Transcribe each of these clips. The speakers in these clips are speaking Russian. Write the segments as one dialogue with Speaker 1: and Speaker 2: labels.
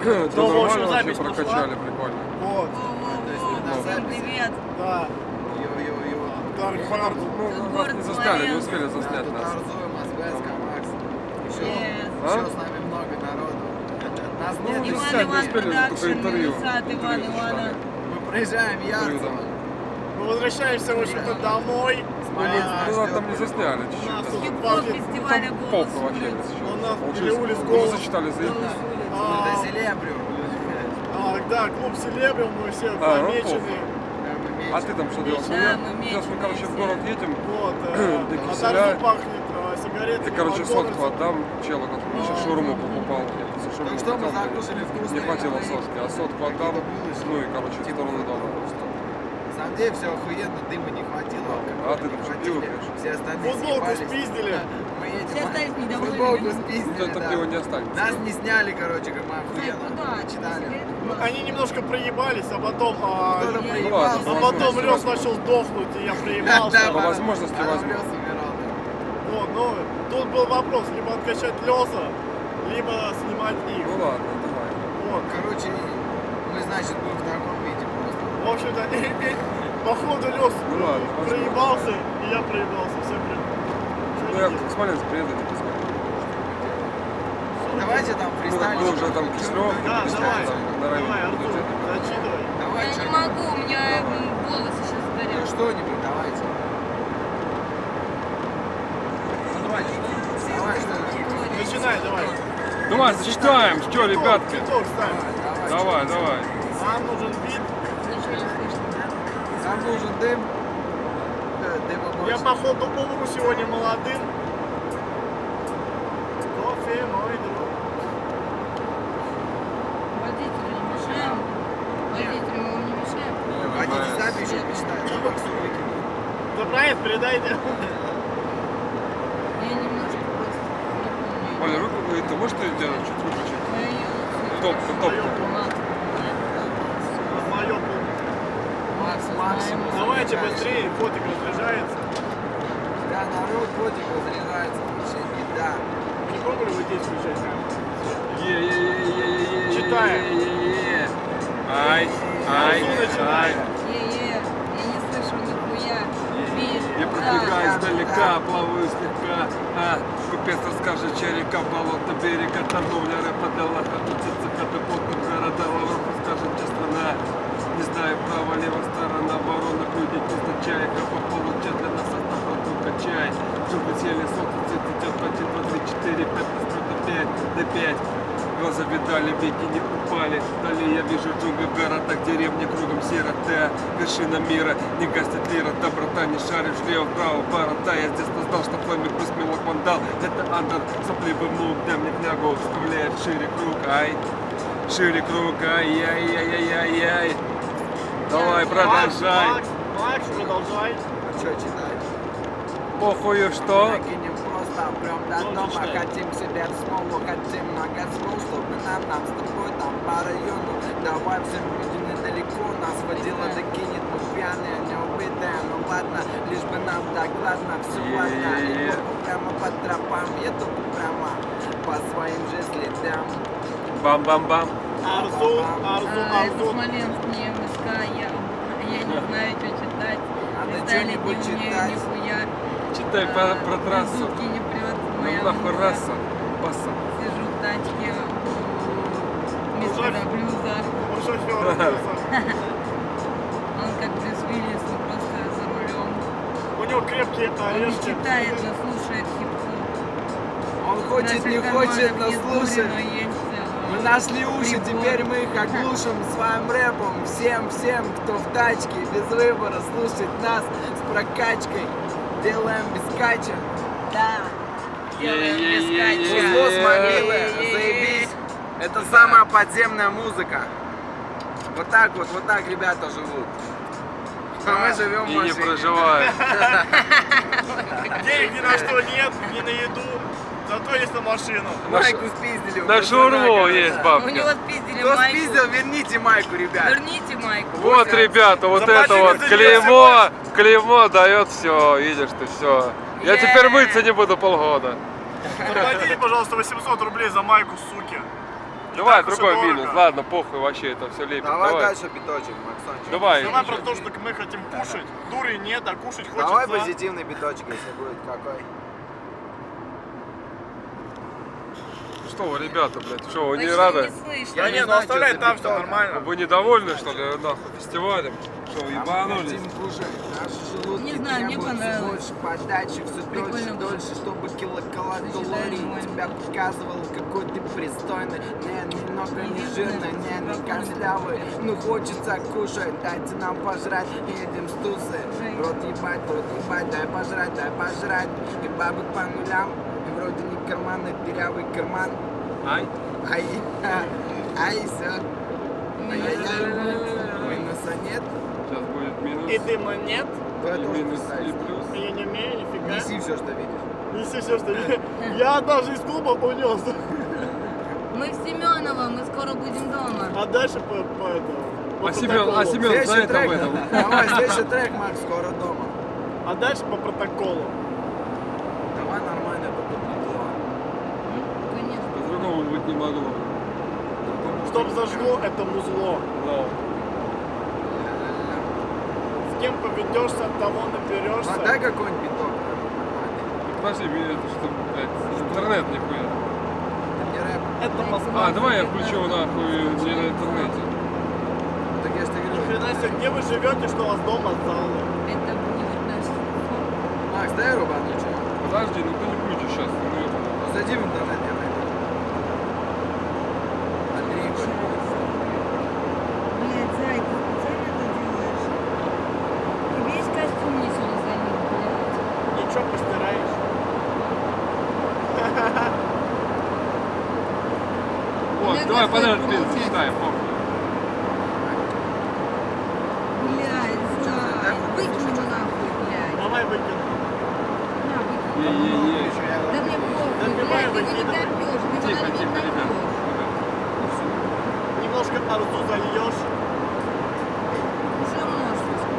Speaker 1: Да, в общем, запись прокачали, прикольно.
Speaker 2: Вот.
Speaker 3: Всем привет.
Speaker 2: Да.
Speaker 4: Йо-йо-йо.
Speaker 2: Dark Hard.
Speaker 1: Ну, нас не заставили, не успели заснять
Speaker 4: Тут
Speaker 1: нас.
Speaker 4: Арзуем, Азбеска, Макс. Еще
Speaker 1: А?
Speaker 4: с нами много народу. Нас нет,
Speaker 1: не
Speaker 3: Иван
Speaker 1: снять, не
Speaker 3: Иван
Speaker 1: успели, только
Speaker 3: Продакшн,
Speaker 1: интервью.
Speaker 3: Минусат Иван Ивана.
Speaker 4: мы проезжаем Ярцево.
Speaker 2: Мы возвращаемся, в общем-то, домой.
Speaker 4: Смоленск
Speaker 1: Ну,
Speaker 4: нас
Speaker 1: нас там
Speaker 4: ждет.
Speaker 1: не засняли
Speaker 2: У нас
Speaker 1: чуть-чуть.
Speaker 2: тут
Speaker 3: Хип-хоп
Speaker 2: пахнет.
Speaker 3: фестиваля
Speaker 1: Там
Speaker 3: «Голос
Speaker 1: полка вообще
Speaker 3: улиц».
Speaker 1: сейчас.
Speaker 2: У нас
Speaker 1: Получилось,
Speaker 2: улиц
Speaker 1: мы
Speaker 2: «Голос».
Speaker 1: зачитали заявку.
Speaker 4: До Селебриум.
Speaker 2: Да, клуб Селебриум, мы все
Speaker 1: ну,
Speaker 2: помечены.
Speaker 1: А ты там что делал?
Speaker 3: Да, мы
Speaker 1: Сейчас мы,
Speaker 3: вместе,
Speaker 1: короче, в город едем.
Speaker 2: Вот.
Speaker 1: До
Speaker 2: А
Speaker 1: Киселя.
Speaker 2: там пахнет сигареты.
Speaker 1: Я, короче, сотку отдам челу, который еще шаурму покупал. Я после шаурмы
Speaker 4: Так что мы
Speaker 1: хотел,
Speaker 4: закусили вкусно.
Speaker 1: не хватило сотки, а сотку отдам, ну и, короче, в сторону дома.
Speaker 4: На самом деле все охуенно, дыма не хватило.
Speaker 1: А ты там что, пиво пьешь?
Speaker 4: Все остальные
Speaker 2: Футболку
Speaker 4: съебались.
Speaker 2: спиздили.
Speaker 4: Мы едем.
Speaker 3: Все остались недовольны.
Speaker 4: Футболку
Speaker 1: Ну,
Speaker 4: спиздили,
Speaker 1: это
Speaker 4: да.
Speaker 1: пиво не останется.
Speaker 4: Нас не сняли, короче, как мы охуенно
Speaker 3: Куда?
Speaker 4: читали.
Speaker 2: Они немножко проебались, а потом...
Speaker 4: Кто-то
Speaker 3: я-
Speaker 4: проебался.
Speaker 1: Ну
Speaker 2: А потом Лёс начал сдохнуть, и я проебался.
Speaker 1: По возможности возьму.
Speaker 4: Лёс умирал.
Speaker 2: Вот, ну, тут был вопрос, либо откачать Лёса, либо снимать их.
Speaker 1: Ну ладно, давай.
Speaker 2: Вот.
Speaker 4: Короче, мы, значит, будем в таком виде просто.
Speaker 2: В общем-то, походу Лёс
Speaker 1: Ну ладно,
Speaker 2: проебался, и я проебался. Все
Speaker 1: Ну я в Смоленск приеду, не посмотрю.
Speaker 4: Давайте там
Speaker 1: Ну,
Speaker 4: фристайлить.
Speaker 1: мы уже там Киселёв,
Speaker 2: Да,
Speaker 1: Киселёв,
Speaker 2: давай,
Speaker 1: там, на
Speaker 2: давай,
Speaker 1: районе.
Speaker 2: Артур, зачитывай.
Speaker 4: Давай
Speaker 3: Я не
Speaker 4: что-нибудь.
Speaker 3: могу, у меня волосы сейчас
Speaker 4: Ну,
Speaker 3: горят.
Speaker 4: что-нибудь, давайте. Ну, давайте. Давай что-нибудь.
Speaker 2: Начинай, давай.
Speaker 1: Давай, зачитаем, что, ребятки?
Speaker 2: Итог ставим.
Speaker 1: Давай, давай.
Speaker 2: Нам нужен бит.
Speaker 3: Ничего не слышно.
Speaker 4: Нам нужен дым. Дыма
Speaker 2: Я
Speaker 4: больше.
Speaker 2: походу умру сегодня молодым. Кофе, мой друг.
Speaker 3: Водителю не мешаем. Водителю мы вам не мешаем.
Speaker 4: Хотите сами еще почитать? Да, Максу выкину.
Speaker 2: Да проект передайте.
Speaker 3: Я немножко просто не помню.
Speaker 1: Оля, руку, ты можешь что сделать? Чуть выключить? Топ, топ.
Speaker 2: Моё
Speaker 4: Макс, максимум.
Speaker 2: Давайте быстрее, фотик разряжается.
Speaker 4: Да, народ котик разрезается. Вообще беда.
Speaker 2: Не пробовали вы здесь включать?
Speaker 1: Е-е-е-е-е-е-е.
Speaker 2: Читаем.
Speaker 1: Е-е-е. Ай, ай,
Speaker 2: Арзу
Speaker 1: ай.
Speaker 2: начинает.
Speaker 3: Я не слышу нихуя.
Speaker 1: Я пробегаю издалека, плаваю слегка. Купец расскажет, чья река, болото, берега, торговля, рэпа для лаха, тут цикады, потом города, Лавров расскажет, где страна. Не знаю, право, лево, сторона, воронок, люди незначай, как по полу, для нас автопрот, только чай. Чтобы сели, солнце, цвет идет по 1, 2, 3, 4, 5, 5, до 5. Глаза видали, веки не упали. Далее я вижу джунгли в городах, деревни кругом серота. Вершина мира, не гасит лира, доброта, не шаришь влево, вправо, борота. Я с детства знал, что флэми плюс мелок вандал. Это андер, сопливый внук, дай мне княгу, вставляет шире круг, ай. Шире круг, ай-яй-яй-яй-яй. Давай, продолжай.
Speaker 2: Макс, продолжай.
Speaker 4: Что читать?
Speaker 1: Похую, что?
Speaker 4: Накинем просто прям до дома. Хотим себе в смолу, хотим много смол, чтобы нам с тобой там по району. Давай всем людям недалеко. Нас водила докинет, мы пьяные, не убитые. Ну ладно, лишь бы нам так ладно, все ладно. Еду прямо по тропам, еду прямо по своим же следам.
Speaker 1: Бам-бам-бам.
Speaker 2: Арзу,
Speaker 3: Это
Speaker 2: Арзу.
Speaker 3: Смоленск, не МСК, я не знаю, что читать.
Speaker 4: Надо
Speaker 3: Сталит не
Speaker 4: что-нибудь
Speaker 3: умею
Speaker 4: читать.
Speaker 3: нихуя.
Speaker 1: Читай про трассу.
Speaker 3: Звуки не прет, моя
Speaker 1: Ну нахуй
Speaker 3: музыка.
Speaker 1: раса. Паса.
Speaker 3: Сижу в тачке у мистера Блюза.
Speaker 2: Ну, шофёр Блюза.
Speaker 3: Он как Брюс Уиллис, он просто за рулем.
Speaker 2: У него крепкие
Speaker 3: Он не
Speaker 2: орешки.
Speaker 3: читает, но слушает хип-хоп.
Speaker 4: Он хочет, не
Speaker 3: Наших
Speaker 4: хочет,
Speaker 3: карманов
Speaker 4: но
Speaker 3: нет дури,
Speaker 4: слушает.
Speaker 3: но есть,
Speaker 4: Мы нашли уши,
Speaker 3: прибор.
Speaker 4: теперь мы их оглушим своим рэпом. Всем, кто в тачке, без выбора слушать нас с прокачкой. Делаем без кача.
Speaker 3: Да. Делаем без
Speaker 4: Музло с могилы, заебись. Это самая подземная музыка. Вот так ребята живут. А мы живем в
Speaker 1: И не
Speaker 4: машине.
Speaker 1: проживает.
Speaker 2: Денег ни на что нет, ни на еду. Зато есть на машину.
Speaker 4: Майку спиздили.
Speaker 1: На шаурму есть
Speaker 3: У
Speaker 1: бабки.
Speaker 3: него спиздили
Speaker 4: Кто
Speaker 3: майку.
Speaker 4: спиздил, верните майку, ребят.
Speaker 3: Верните майку.
Speaker 1: Вот, ребята, вот
Speaker 2: Заплатили
Speaker 1: это вот
Speaker 2: за
Speaker 1: клеймо дает все, видишь ты все. Я теперь мыться не буду полгода.
Speaker 2: Заплатите, пожалуйста, 800 рублей за майку, суки.
Speaker 1: Давай
Speaker 2: так уж и
Speaker 1: другой
Speaker 2: дорого.
Speaker 1: минус. Ладно, похуй вообще, это все лепит.
Speaker 4: Давай
Speaker 1: Давай.
Speaker 4: дальше биточек, Максончик.
Speaker 1: Давай.
Speaker 2: Давай про то, что мы хотим кушать. Дури нет, а кушать хочется.
Speaker 4: Давай позитивный биточек, если будет какой.
Speaker 1: Что вы, ребята, блядь, что, вы не
Speaker 3: Вообще
Speaker 1: рады?
Speaker 3: не слышно.
Speaker 2: Да
Speaker 4: не
Speaker 2: нет, ну
Speaker 4: знаю,
Speaker 2: оставляй
Speaker 4: что
Speaker 2: там,
Speaker 4: это
Speaker 2: все
Speaker 4: биток.
Speaker 2: нормально.
Speaker 1: Вы недовольны, что ли, нахуй, фестивалем? Что,
Speaker 4: А мы
Speaker 1: ебанулись?
Speaker 4: хотим кушать. Наши желудки
Speaker 3: Не знаю, мне
Speaker 4: требуют все
Speaker 3: понравилось.
Speaker 4: больше подачи, все
Speaker 3: Прикольно
Speaker 4: дольше,
Speaker 3: было.
Speaker 4: дольше, чтобы килокалорий
Speaker 3: Сочетание.
Speaker 4: тебя показывал, какой ты пристойный. Не, немного не
Speaker 3: Единственное,
Speaker 4: жирный, не
Speaker 3: что
Speaker 4: костлявый. Ну хочется кушать, дайте нам пожрать, едем с тусы. В рот ебать, дай пожрать. И бабок по нулям, и вроде не карманный, дырявый карман.
Speaker 1: Ай?
Speaker 4: Ай, все. Минуса нет.
Speaker 1: Сейчас будет минус.
Speaker 2: И дыма нет.
Speaker 4: То я
Speaker 1: И
Speaker 4: тоже
Speaker 1: минус,
Speaker 4: пытаюсь.
Speaker 1: и плюс.
Speaker 2: Я не умею, нифига.
Speaker 4: Неси все, что видишь.
Speaker 2: Неси все, что я даже из клуба унес.
Speaker 3: Мы в Семеново, мы скоро будем дома.
Speaker 2: А дальше по этому. по
Speaker 1: А Семен
Speaker 2: протоколу.
Speaker 1: за
Speaker 4: Следующий
Speaker 1: это
Speaker 4: трек.
Speaker 1: об этом.
Speaker 4: Давай, следующий трек, Макс, скоро дома.
Speaker 2: А дальше по протоколу.
Speaker 4: Давай нормально, только тепло.
Speaker 3: Конечно.
Speaker 1: По-другому быть не могло.
Speaker 2: Чтоб зажгло это музло.
Speaker 1: Да.
Speaker 2: С кем поведешься, от того наберешься.
Speaker 4: А дай какой-нибудь биток. Нормальный.
Speaker 1: Подожди, это что, блядь, интернет нихуя.
Speaker 4: Это не рэп.
Speaker 2: Это Москва.
Speaker 1: А, давай я включу нахуй не на интернете.
Speaker 4: Так я же тебе
Speaker 2: Ни
Speaker 4: говорю.
Speaker 2: хрена себе, где вы живете, что у вас дома залы?
Speaker 3: Это будет наш телефон.
Speaker 4: Макс, дай рубану что.
Speaker 1: Подожди, ну ты не включишь сейчас. Ну, это...
Speaker 4: Зайди в интернет, я найду. Андрей,
Speaker 3: Блядь, Зай, ты специально это делаешь? Ты весь костюм мне сегодня залил, блядь.
Speaker 2: Ничего, постираешь.
Speaker 1: Вот,
Speaker 3: Мне
Speaker 1: давай
Speaker 3: кажется,
Speaker 1: подряд
Speaker 3: это
Speaker 1: песню
Speaker 3: получается.
Speaker 1: читаем, похуй.
Speaker 3: Блядь, Зай, выкинь его нахуй, блядь.
Speaker 2: Давай выкину.
Speaker 3: На, выкинь.
Speaker 1: Е-е-е.
Speaker 3: Да мне похуй,
Speaker 2: Да
Speaker 3: блядь,
Speaker 2: давай
Speaker 3: ты его не
Speaker 2: выкидывай.
Speaker 3: допьешь, ты его
Speaker 1: Тихо,
Speaker 3: не
Speaker 1: тихо, ребят.
Speaker 3: допьешь.
Speaker 2: Немножко арзу зальешь.
Speaker 3: Уже множество.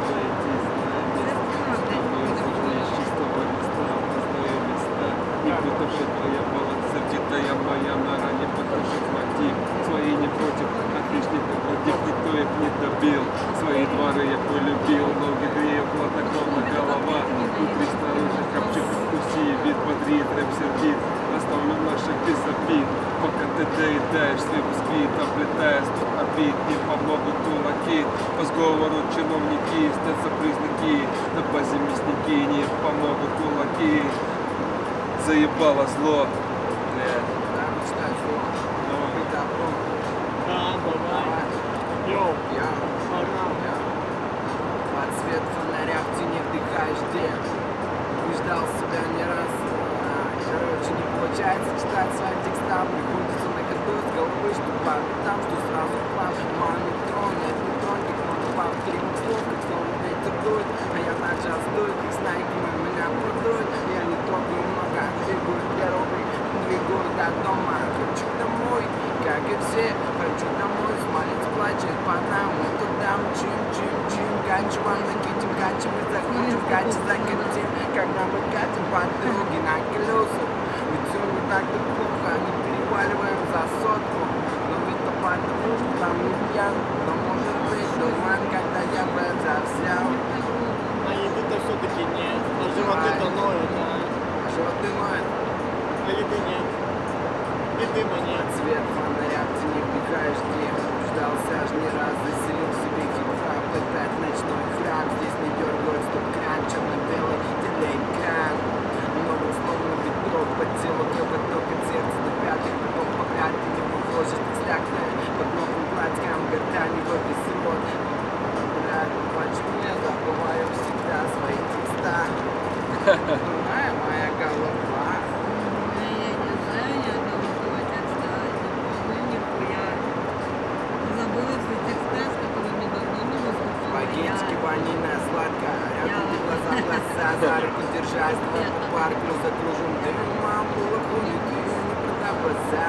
Speaker 1: Сердитая моя нора не потушит мотив. Свои не против, отличных против, никто их не добил. Свои дворы я полюбил, ноги грею, хладнокровно голова. Внутри снаружи копчик, вкуси, вид бодрит, рэп сердит. Оставлю наших без обид, пока ты доедаешь свой бисквит, облетая стук обид, не помогут кулаки. По сговору чиновники, снятся признаки, на базе мясники, не помогут кулаки. Заебало зло. Блядь.
Speaker 4: Да, начинай слово.
Speaker 1: Давай.
Speaker 4: Быть добром.
Speaker 2: Да, давай.
Speaker 4: Давай.
Speaker 2: Йоу,
Speaker 4: Я.
Speaker 2: погнали.
Speaker 4: Под свет фонаря в тени вдыхаешь дым. Убеждал себя не раз. Короче, не получается читать свои текста. Приходится на ходу с головы, что там, что сразу в план. Маме трон, нет, не трон, как много баб, кривых слов, как словно ветер дует. А я на час дует, как снайками меня продует. Я не трогаю много, двигаю первый, двигаю до дома. Хочу домой, как и все, хочу домой. Смалец плачет по нам, мы туда мчим, гачу вам накидим, гачи мы захочем, гачи закатим. Когда мы катим по дороге на колесах, ведь все не так-то плохо, не переваливаем за сотку. Но это потому, что там не пьян, но может быть туман, когда я бы взял.
Speaker 2: А еды-то все-таки нет. А животы-то ноют.
Speaker 4: А животы ноют.
Speaker 2: А еды нет. И дыма нет.
Speaker 4: Цвет фонаря в тени вдыхаешь дым. Ждался аж не раз, заселил в себе хип-хап. Пытать ночной храм, здесь не дергают стоп-кран, черно-белый телеэкран. Много слов на ветров, под тело кровоток от сердца до пятых, потом по пятке не похоже, ты слякная. Под новым платьем гортани в офис рот. Блядь, почему я забываю всегда свои текста? Дурная моя голова.
Speaker 3: Я не знаю ни одного слова текста, не помню нихуя. Забыла все текста, с которыми давно не выступала.
Speaker 4: По-гейски ванильная сладкая. Я буду глаза в глаза, за руку держась, твой парк, закружим дым. Мам, было хули, ты не продаваться.